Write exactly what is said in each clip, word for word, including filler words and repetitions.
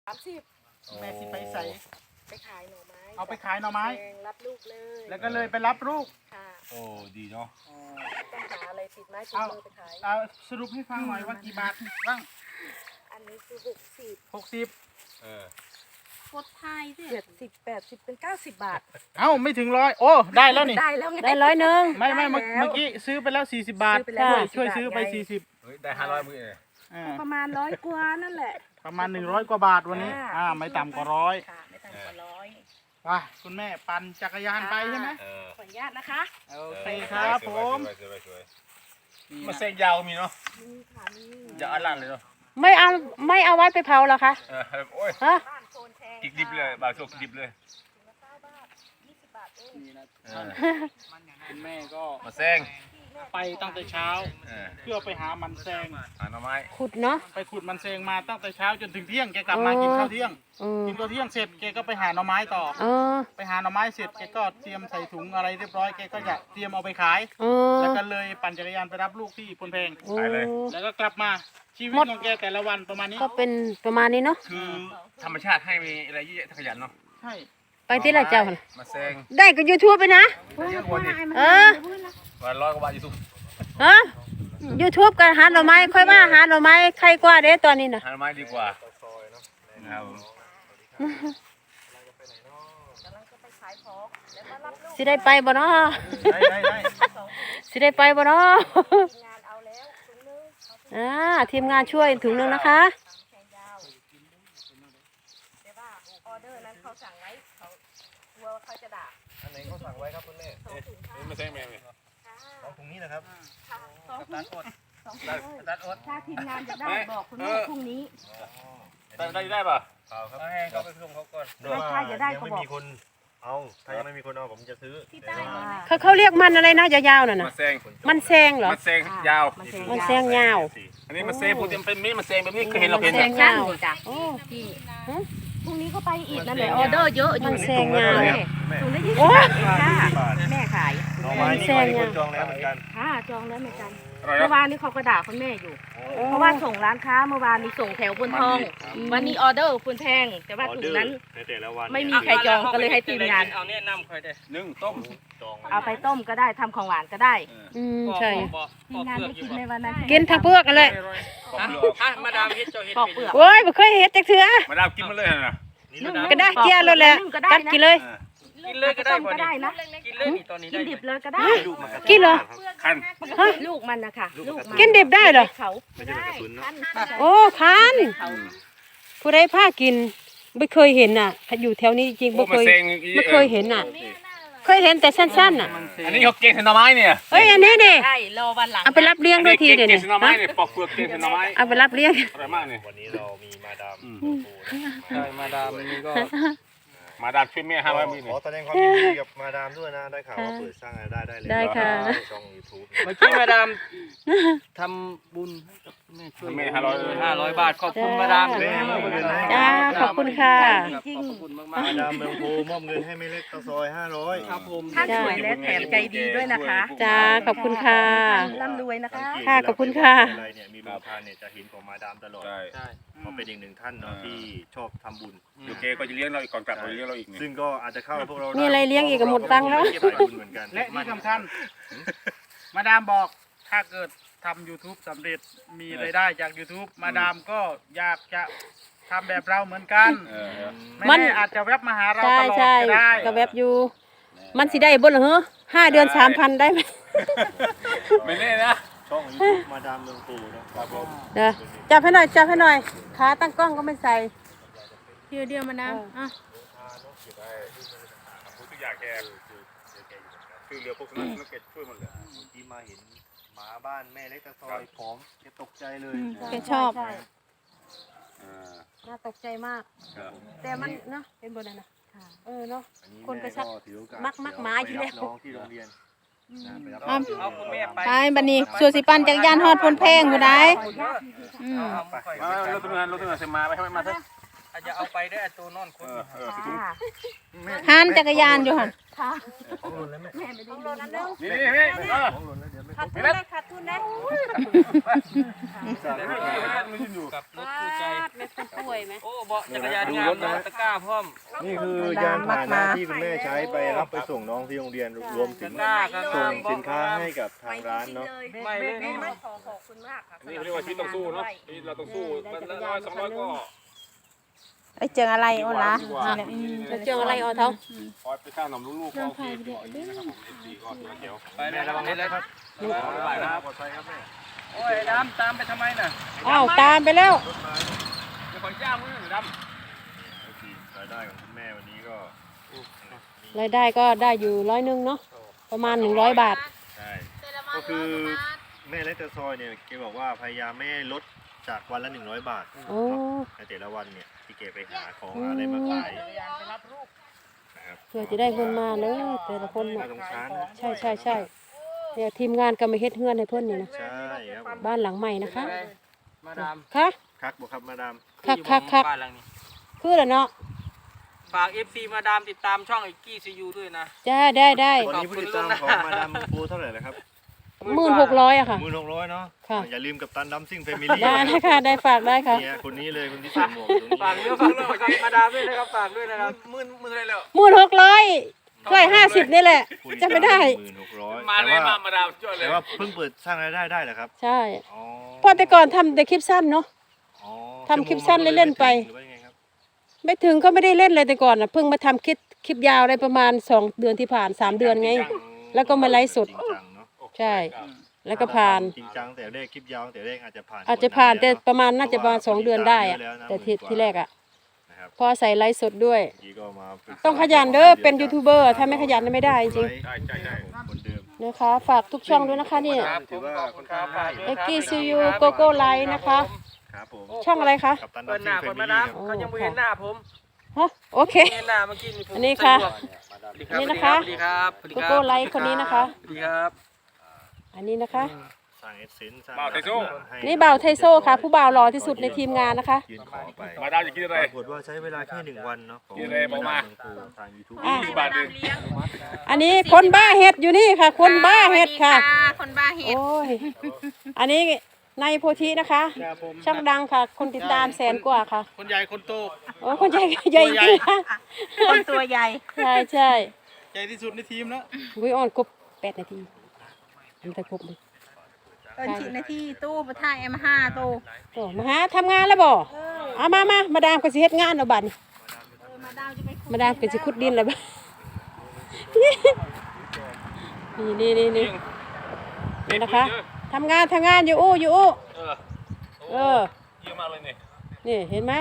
สามสิบแม่สิไปใส่ไปขายหน่อไม้เอาไปขายหน่อไม้รับลูกเลยแล้วก็เลยไปรับลูกค่ะโอ้ดีเนาะต้องหาอะไรติดไม้ติดมือไปขายเอาสรุปให้ฟังหน่อยว่ากี่บาทบ้างอันนี้คือหกสิบหกสิบเออโคตรไทยเจ็ดสิบแปดสิบเป็นเก้าสิบบาทเอ้าไม่ถึงร้อยโอ้ได้แล้วนี่ได้แล้วไงได้ร้อยหนึ่งไม่ไม่เมื่อกี้ซื้อไปแล้วสี่สิบบาทช่วยช่วยซื้อไปสี่สิบเฮ้ยได้ห้าร้อยมือเลยประมาณร้อยกว่านั่นแหละประมาณหนึ่งร้อยกว่าบาทวันนี้อ่าไม่ต่ำกว่าร้อยค่ะไม่ต่ำกว่าร้อยว่าคุณแม่ปั่นจักรยานไปใช่ไหมขออนุญาตนะคะโอเคครับผมมาเส้นยาวมีเนาะมีค่ะมียาวอันลันเลยเนาะไม่เอาไม่เอาไว้ไปเผาหรอคะเออโอ้ยฮะกิกดิบเลยบางช่วงกิกดิบเลยคุณแม่ก็มาแซงไปตั้งแต่เช้าเพื่อไปหามันแซงหาหน่อไม้ขุดเนาะไปขุดมันแซงมาตั้งแต่เช้าจนถึงเที่ยงแกกลับมากินข้าวเที่ยงกินข้าวเที่ยงเสร็จแกก็ไปหาหน่อไม้ต่อไปหาหน่อไม้เสร็จแกก็เตรียมใส่ถุงอะไรเรียบร้อยแกก็จะเตรียมเอาไปขายแล้วก็เลยปั่นจักรยานไปรับลูกที่พลแพงขายเลยแล้วก็กลับมาชีวิตของแกแต่ละวันประมาณนี้ก็เป็นประมาณนี้เนาะคือธรรมชาติให้มีอะไรเยอะขยันเนาะใช่ไปที่ไรเจ้ามาแซงได้ก็ยูทูบไปนะเออวันร้อยกว่าบาทยูทูบฮะยูทูบกันหาหน่อไม้ค่อยว่าหาหน่อไม้ใครกว่าเด้ตอนนี้นะหาหน่อไม้ดีกว่าสิได้ไปบ่เนาะได้ได้ได้สิได้ไปบ่เนาะอ่าทีมงานช่วยถุงนึงนะคะออเดอร์นั้นเขาสั่งไว้เขากลัวเขาจะด่าอันไหนเขาสั่งไว้ครับคุณแม่นี่ไม่ใช่แม่เลยสองถุงนี้นะครับสองถุงสองถุงตัดอดถ้าทีมงานจะได้บอกคุณแม่พรุ่งนี้ได้ได้ได้ป่ะเอาครับให้เขาไปส่งเขาก่อนถ้าจะได้เขาบอกเอาถ้ายังไม่มีคนเอาผมจะซื้อเขาเขาเรียกมันอะไรนะยาวๆน่ะนะมันแซงมันแซงเหรอมันแซงยาวมันแซงยาวอันนี้มันแซงพูดเป็นมีดมันแซงแบบนี้เคยเห็นเราเห็นแซงยาวจ้ะโอ้พี่พรุ่งนี้ก็ไปอีกนั่นแหละออเดอร์เยอะอยู่มันแซงยาวถุงละยี่สิบบาทค่ะแม่ขายมันแซงยาวจองแล้วเหมือนกันค่ะจองแล้วเหมือนกันเมื่อวานนี้เขาก็ด่าคุณแม่อยู่เพราะว่าส่งร้านค้าเมื่อวานนี้ส่งแถวบนทองวันนี้ออเดอร์คุณแพงแต่ว่าถุงนั้นไม่มีใครจองก็เลยให้ทีมงานเอาเนี่ยนำใครได้นึ่งต้มเอาไปต้มก็ได้ทำของหวานก็ได้อืมใช่ทีมงานไม่กินในวันนั้นกินทั้งเปลือกกันเลยมาดามเฮ็ดเจ้าเฮ็ดเปลือกโอ้ยไม่เคยเฮ็ดจักเทื่อมาดามกินมาเลยนะก็ได้เกลียเลยแหละกัดกินเลยกินเลยก็ได้ก็ได้นะกินเลยนี่ตอนนี้กินดิบเลยก็ได้กินเหรอคันลูกมันนะคะลูกกินดิบได้เหรอเขาโอ้คันผู้ใดพากินไม่เคยเห็นน่ะอยู่แถวนี้จริงไม่เคยไม่เคยเห็นน่ะเคยเห็นแต่สั้นๆน่ะอันนี้เขาเก่งเส้นหน่อไม้เนี่ยเฮ้ยอันนี้ดิใช่รอวันหลังเอาไปรับเลี้ยงด้วยทีเดี๋ยวนี้เส้นหน่อไม้เนี่ยปอกเปลือกเก่งเส้นหน่อไม้เอาไปรับเลี้ยงอร่อยมากเนี่ยวันนี้เรามีมาดามใช่มาดามนี่ก็มาดามช่วยแม่ห้าร้อยมีขอแสดงความยินดีกับมาดามด้วยนะได้ข่าวว่าเปิดสร้างรายได้ได้เลยได้ค่ะช่องยูทูบเมื่อกี้มาดามทำบุญแม่ช่วยแม่ห้าร้อยห้าร้อยบาทขอบคุณมาดามจ้าขอบคุณค่ะขอบคุณมากๆมาดามเมืองโพมอบเงินให้แม่เล็กตะซอยห้าร้อยครับผมท่านสวยและแถมใจดีด้วยนะคะจ้าขอบคุณค่ะร่ำรวยนะคะค่ะขอบคุณค่ะอะไรเนี่ยมีบุญทานเนี่ยจะเห็นของมาดามตลอดใช่เขาเป็นอีกหนึ่งท่านเนาะที่ชอบทำบุญโอเคก็จะเลี้ยงเราอีกก่อนกลับเราเลี้ยงเราอีกซึ่งก็อาจจะเข้าพวกเรามีอะไรเลี้ยงอีกก็หมดตังค์แล้วและที่สำคัญมาดามบอกถ้าเกิดทำ ยูทูบ สำเร็จมีรายได้จาก ยูทูบ มาดามก็อยากจะทำแบบเราเหมือนกันไม่ได้อาจจะแวบมาหาเราตลอดก็ได้ก็แวบอยู่มันสิได้บ่เหรอห้าเดือนสามพันได้ไหมไม่แน่นะช่องยูทูบมาดามเมืองปูนะครับผมเดี๋ยวจับให้หน่อยจับให้หน่อยขาตั้งกล้องก็ไม่ใส่เดียวเดียวมาดามอ่ะทุกอย่างแกคือเรือพวกนั้นนักเก็ตช่วยหมดเลยที่มาเห็นหมาบ้านแม่เล็กตะซอยผอมแกตกใจเลยแกชอบน่าตกใจมากแต่มันเนาะเป็นบนนั้นนะเออเนาะคนก็ชักมักมักหมาอยู่แล้วน้องที่โรงเรียนเอาคุณแม่ไปไปบันนี้ส่วนสิปันจักรยานฮอดพลแพงผู้ใดอืมรถทำงานรถทำงานเสมาไปให้มาเถอะอาจจะเอาไปได้ไอ้ตัวนอนคนค่ะหันจักรยานอยู่หั่นค่ะนี่นี่เออขาดทุนได้ขาดทุนได้กับรถคู่ใจแม่คนป่วยไหมโอ้เบาะจักรยานงามนะตะกร้าพร้อมนี่คือยานพาหนะที่คุณแม่ใช้ไปรับไปส่งน้องที่โรงเรียนรวมถึงตะกร้าก็ส่งาง มสินค้าให้กับทางร้านเนาะไม่เลยไม่เนาะขอขอบคุณมากค่ะนี่เขาเรียกว่าชีวิตต้องสู้เนาะนี่เราต้องสู้มันละร้อยสองร้อยก็ไอ้เจออะไรโอ้ล่ะดีกว่าจะเจออะไรเอาเท่าคอยไปสร้างหนมลูกๆก็โอเคดีกว่าอย่างนี้นะครับผมเอฟซีก็ถือว่าเจ๋วไปเลยระวังเลยครับไปนะครับปลอดภัยครับแม่โอ้ยน้ำตามไปทำไมน่ะอ้าวตามไปแล้วเดี๋ยวขอย่างมือดรายได้ของคุณแม่วันนี้ก็รายได้ก็ได้อยู่ร้อยหนึงเนาะประมาณหนึ่งร้อยบาทใช่ก็คือแม่เล็กตะซอยเนี่ยแกบอกว่าพยายามไม่ให้ลดจากวันละหนึ่งร้อยบาทโอ้ในแต่ละวันเนี่ยที่แกไปหาของหาอะไรมาขายนะครับเพื่อจะได้เงินมาเลยแต่ละคนน่าน่ะสงสารนะใช่ใช่ใช่เนี่ยทีมงานก็มาเฮ็ดเฮือนให้เพิ่นนี่นะใช่ครับผมบ้านหลังใหม่นะคะมาดามค่ะคักบอกครับมาดามคักคักคักบ้านหลังนี้คือแล้วเนาะฝาก เอฟ ซี มาดามติดตามช่องไอ้กี้ซียูด้วยนะจ้าได้ได้ตอนนี้ผู้ติดตามของมาดามปูเท่าไหร่แล้วครับหมื่นหกร้อยอะค่ะหมื่นหกร้อยเนาะค่ะอย่าลืมกับตันดัมซิ่งแฟมิลี่ได้นะคะได้ฝากได้ค่ะเนี่ยคนนี้เลยคนที่ใส่หมวกอยู่ตรงนี้ฝากเนื้อฝากตัวกับมาดามด้วยนะครับฝากด้วยนะครับมื่นมื่นอะไรแล้วหมื่นหกร้อยช่วยห้าสิบนี่แหละผู้ติจะไม่ได้หมื่นหกร้อยำมาเลยมามาดาวช่วยเลยแต่ว่าเพิ่งเปิดสร้างรายได้ได้เหรอครับใช่อ๋อเพราะแต่ก่อนทำแต่คลิปสั้นเนาะอ๋อทำคลิปสั้นเล่นๆไปหรือว่ายังไงครับไม่ถึงก็ไม่ได้เล่นเลยแต่ก่อนอ่ะเพิ่งมาทำคลิปคลิปยาวได้ประมาณสองเดือนที่ผ่านสามเดือนไง แล้วก็มาไลฟ์สดจริงจังเนาะใช่ แล้วก็ผ่านจริงจังแต่แรกคลิปยาวแต่แรกอาจจะผ่านอาจจะผ่านแต่กดดันประมาณน่าจะประมาณสองเดือนได้อะเยะแต่ที่ที่แรกอ่ะนะครับพอใส่ไลฟ์สดด้วยเมื่อกี้ก็มาปรึกษาต้องขยันเด้อเป็นยูทูบเบอร์ถ้าไม่ขยันไม่ได้จริงใช่ใช่ใช่คนเดิมๆนะคะ ฝากทุกช่องด้วยนะคะนี่ครับผมขอบคุณครับฝากด้วยเอ็กครับกี้ซียูโกโก้ไลน์นะคะครับผมช่องอะไรคะกับตันเปิดหน้าดัเปิมดซิ่มางแฟมิลี่ครับดามเขายังไม่เห็นหน้าผมฮะโอเคเห็นหน้าเมื่อกี้นี่ผมอันนี้ค่ะสวัสดีรับนี่นะคะสวัสดีครับสวัสดีโกครับโก้ไลน์คนนี้นะคะสวัสดีครับอันนี้นะคะสร้างเอสเซนส์สร้างบ่าวไทโซ่ให้นี่บ่าวไทโซ่ค่ะ ผู้บ่าวหล่อที่สุดในทีมงานนะคะยืนขอไปมาดาวจะกินอะไรปรากฏว่าใช้เวลาแค่หนึ่งวันเนาะของยืนเลยบอกมาทางยูทูบอ่ะยี่สิบบาทเองอันนี้คนบ้าเห็ดอยู่นี่ค่ะ คนบ้าเห็ดค่ะคนบ้าเห็ดโอ้ย อันนี้นายโพธินะคะครับผมช่องดังค่ะ คนติดตามแสนกว่าค่ะคนใหญ่คนโตโอ้คนใหญ่ใหญ่จริงค่ะคนตัวใหญ่ใช่ใช่ใหญ่ที่สุดในทีมแล้ววิออนครบแปดนาทีทำแต่ครบเลยเอินชินาที่ตู้ประท่ายเอ็มห้าตู้โอ้มาหาทำงานแล้วบ่เอามามามาดามก็สิเฮ็ดงานเอาบัดนี้มาดาวจะไปมาดามก็สิขุดดินแล้วบัดนี่นี่นี่นี่นี่นะคะทำงานทำงานอยู่อู้อยู่อู้เออเออเยอะมากเลยเนี่ยนี่เห็นไหม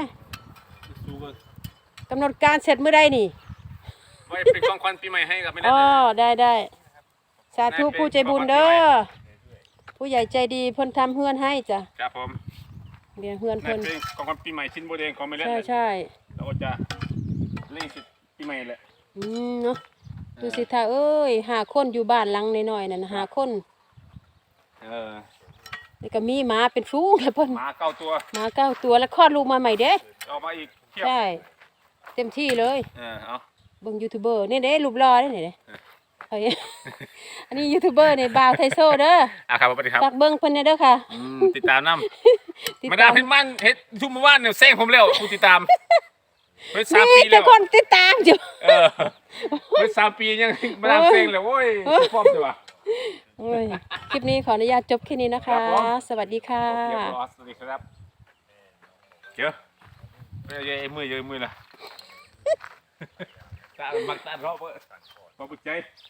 กำหนดการเสร็จเมื่อใดนี่ไว้เป็นของขวัญปีใหม่ให้กับไม่ได้อ๋อเลยได้ได้สาธุผู้ใจบุญเด้อผู้ใหญ่ใจดีเพิ่นทำเฮือนให้จ้ะครับผมเรียนเฮือนนั่เพิ่นนเป็นของขวัญปีใหม่ชิ้นโบเดงของไม่เล่นใช่เลยใช่เราก็จะเล่นสิปีใหม่แหละอืมเนาะดูสิท่าเอ้ยหาคนอยู่บ้านหลังน้อยๆนั่นน่ะหาคนเออนี่ก็มีหมาเป็นฟูงแล้วเพิ่นหมาเก้าตัวหมาเก้าตัวแล้วคลอดลูกมาใหม่เด้ออกมาอีกเทียบใช่ เต็มที่เลยเออเอาเบิ่งยูทูบเบอร์นี่เด้รูปหล่อเด้นี่เด้เฮ้ยอันนี้ยูทูบเบอร์นี่บ่าวไทโซเด้ออ่ะครับสวัสดีครับฝากเบิ่งเพิ่นเนี่ยเด้อค่ะอืมติดตามน้ติดำมาตาดาม มเฮ็ดมันเฮ็ดทุกเมื่อวานเนี่ยเซ้งผมแล้วผู้ติดตามเฮ็ดสามมีปีแต่แล้วคนติดตามอยู่เออเฮ็ดสามปียังมาดามเซ้งเลยโว้ยฟอมใช่ปะโอ้ยคลิปนี้ขออนุญาตจบแค่นี้นะคะ สวัสดีค่ะเรียบร้อยสวัสดีครับเจ้าเอ้ยเอ้ยมือเยอะมือละตามักตาเราเพื่อมาบุกใจ